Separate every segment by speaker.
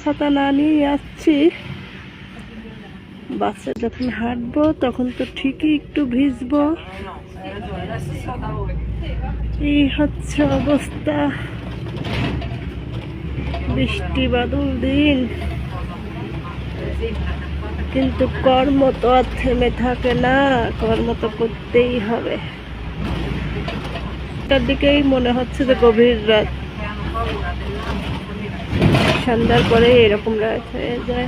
Speaker 1: ছাতা না নিয়ে আসছি, বাসে যখন হাঁটবো তখন তো ঠিকই একটু ভিজবো। এই হচ্ছে অবস্থা, বৃষ্টি বাদল দিন, কিন্তু কর্ম তো আর থেমে থাকে না, কর্ম তো করতেই হবে। তার দিকেই মনে হচ্ছে যে গভীর রাত, সন্ধ্যার পরে এরকম রাত হয়ে যায়।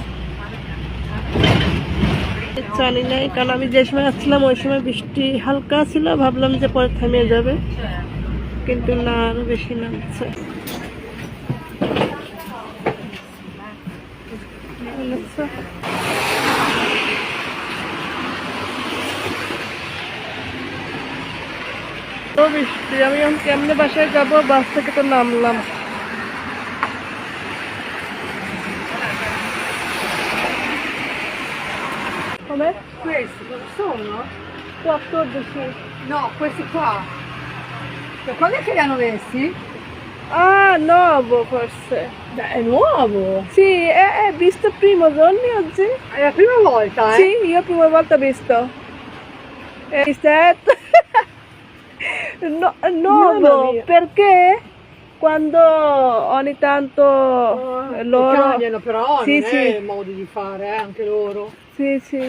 Speaker 1: জানি নাই, কারণ আমি যে সময় আসছিলাম ওই সময় বৃষ্টি হালকা ছিল, ভাবলাম যে পরে থেমে যাবে, কিন্তু না, আরো বেশি নামছে। তো বৃষ্টি, আমি এখন কেমনে বাসায় যাবো? বাস থেকে তো নামলাম। Come?
Speaker 2: Questi cosa sono?
Speaker 1: 14.
Speaker 2: No, questi qua. Cioè, quando è che li hanno messi?
Speaker 1: Ah, nuovo forse.
Speaker 2: Beh, è nuovo.
Speaker 1: Sì, è visto il primo giorno oggi?
Speaker 2: È la prima volta, eh?
Speaker 1: Sì, io la prima volta ho visto. È visto? No, nuovo, perché quando ogni tanto loro...
Speaker 2: cambiano però,
Speaker 1: sì,
Speaker 2: non
Speaker 1: sì.
Speaker 2: è il modo di fare, anche loro.
Speaker 1: Sì, sì.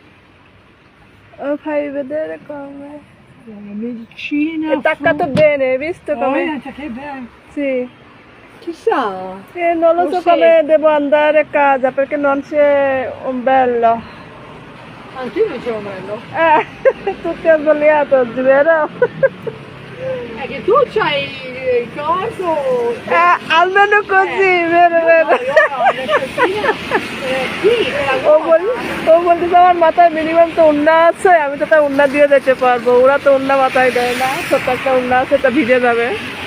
Speaker 1: Fai vedere come...
Speaker 2: La medicina.
Speaker 1: È attaccato bene, hai visto come?
Speaker 2: Cioè, che bello.
Speaker 1: Sì.
Speaker 2: Chissà.
Speaker 1: Non lo so
Speaker 2: Forse-
Speaker 1: come devo andare a casa perché non c'è un bello.
Speaker 2: Anche io non c'ero bello.
Speaker 1: Tutti hanno sbagliato oggi, vero?
Speaker 2: È che tu c'hai il corso.
Speaker 1: Almeno così, vero, vero?
Speaker 2: No, io ho le cosine, qui, per la
Speaker 1: O
Speaker 2: gomma.
Speaker 1: বলতেছে আমার মাথায় minimum তো উন্না আছে, আমি তো তার উন্না দিয়ে যেতে পারবো, ওরা তো উন্না মাথায় দেয় না, ছোট্ট একটা উন্না আছে, তা ভিজে যাবে।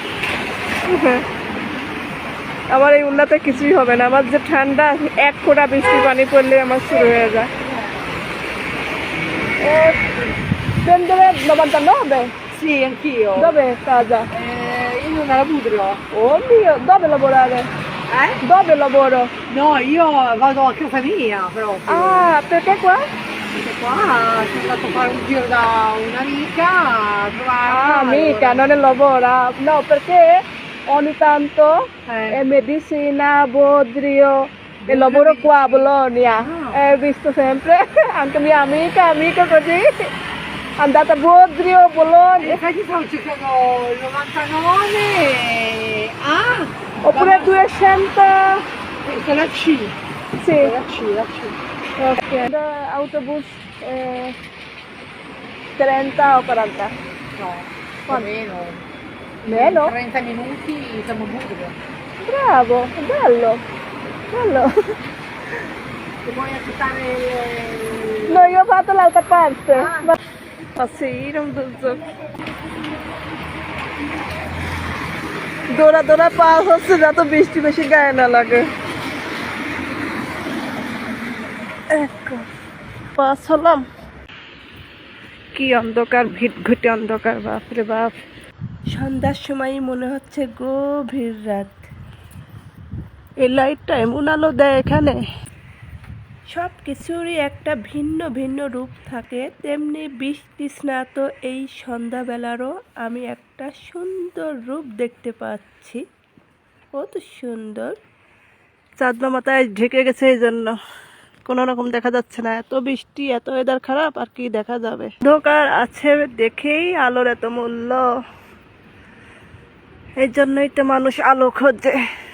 Speaker 1: আমার এই উন্নাতে কিছুই হবে না, আমার যে ঠান্ডা, এক ফোঁটা বৃষ্টি পানি পড়লে আমার শুরু হয়ে যায়। Prendere 99?
Speaker 2: Sì, anch'io.
Speaker 1: Dove è casa?
Speaker 2: Io non la Budrio.
Speaker 1: Oh mio, dove lavorare? Dove lavoro?
Speaker 2: No, io vado a casa mia proprio.
Speaker 1: Ah, perché qua?
Speaker 2: Perché qua sono andato a fare un giro da un'amica a trovarla.
Speaker 1: Ah, amica, non è lavora. No, perché ogni tanto è medicina, Bodrio, e lavoro qua a Bologna. Visto sempre, anche mia amica così, andata a Bodrio, Bologna.
Speaker 2: Infatti stavo cercando il 99. Ah!
Speaker 1: Oppure 200.
Speaker 2: Questa è la C.
Speaker 1: Sì.
Speaker 2: La C.
Speaker 1: Ok. Autobus 30 o 40?
Speaker 2: No,
Speaker 1: Quanto?
Speaker 2: meno.
Speaker 1: Meno?
Speaker 2: 30 minuti siamo a Budrio.
Speaker 1: Bravo, bello. Bello.
Speaker 2: Se vuoi accettare
Speaker 1: No, io ho fatto l'altra parte.
Speaker 2: Ah.
Speaker 1: Ma sì, non so. দৌড়া পাস হচ্ছে যত বৃষ্টি বেশি গায়ে না লাগে। Pass হলাম। কি অন্ধকার, ভিটঘুটে অন্ধকার, বাপরে বাপ। সন্ধ্যার সময় মনে হচ্ছে গভীর রাত। এই লাইটটা এমন আলো দেয় এখানে, সব কিছুরই একটা ভিন্ন ভিন্ন রূপ থাকে, তেমনি বৃষ্টি স্নাত এই সন্ধ্যাবেলারও আমি একটা সুন্দর রূপ দেখতে পাচ্ছি। কত সুন্দর, চাঁদমা মাথায় ঢেকে গেছে, এই জন্য কোনো রকম দেখা যাচ্ছে না। এত বৃষ্টি, এত ওয়েদার খারাপ, আর কি দেখা যাবে? অন্ধকার আছে দেখেই আলোর এত মূল্য, এই জন্যই তো মানুষ আলো খোঁজে।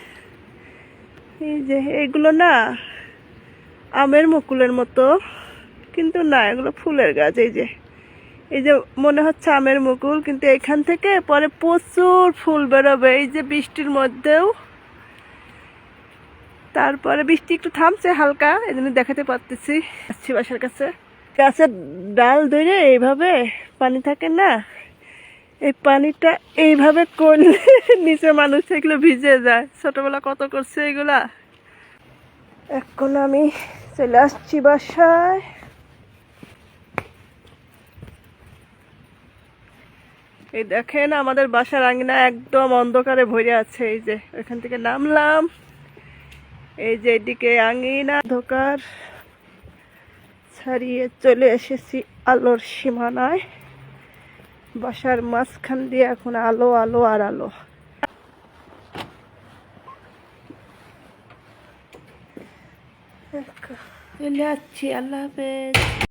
Speaker 1: এই যে এইগুলো না আমের মুকুলের মতো, কিন্তু না, এগুলো ফুলের গাছ। এই যে মনে হচ্ছে আমের মুকুল, কিন্তু এখান থেকে পরে প্রচুর ফুল বেরোবে, এই যে বৃষ্টির মধ্যেও। তারপরে বৃষ্টি একটু থামছে হালকা, এই জন্য দেখাতে পারতেছি। আসছি বাসার কাছে, গাছের ডাল ধরে এইভাবে পানি থাকে না, এই পানিটা এইভাবে করলে নিচে মানুষ এগুলো ভিজে যায়। ছোটবেলা কত করছে এগুলা। এখন আমি চলে আসছি বাসায়। এই দেখেন আমাদের বাসার আঙিনা একদম অন্ধকারে ভরে আছে। এই যে এখান থেকে নামলাম, এই যে এদিকে আঙিনা অন্ধকার ছাড়িয়ে চলে এসেছি আলোর সীমানায়। বাসার মাঝখান দিয়ে এখন আলো আলো আর আলো। চলে যাচ্ছি, আল্লাহ হাফেজ।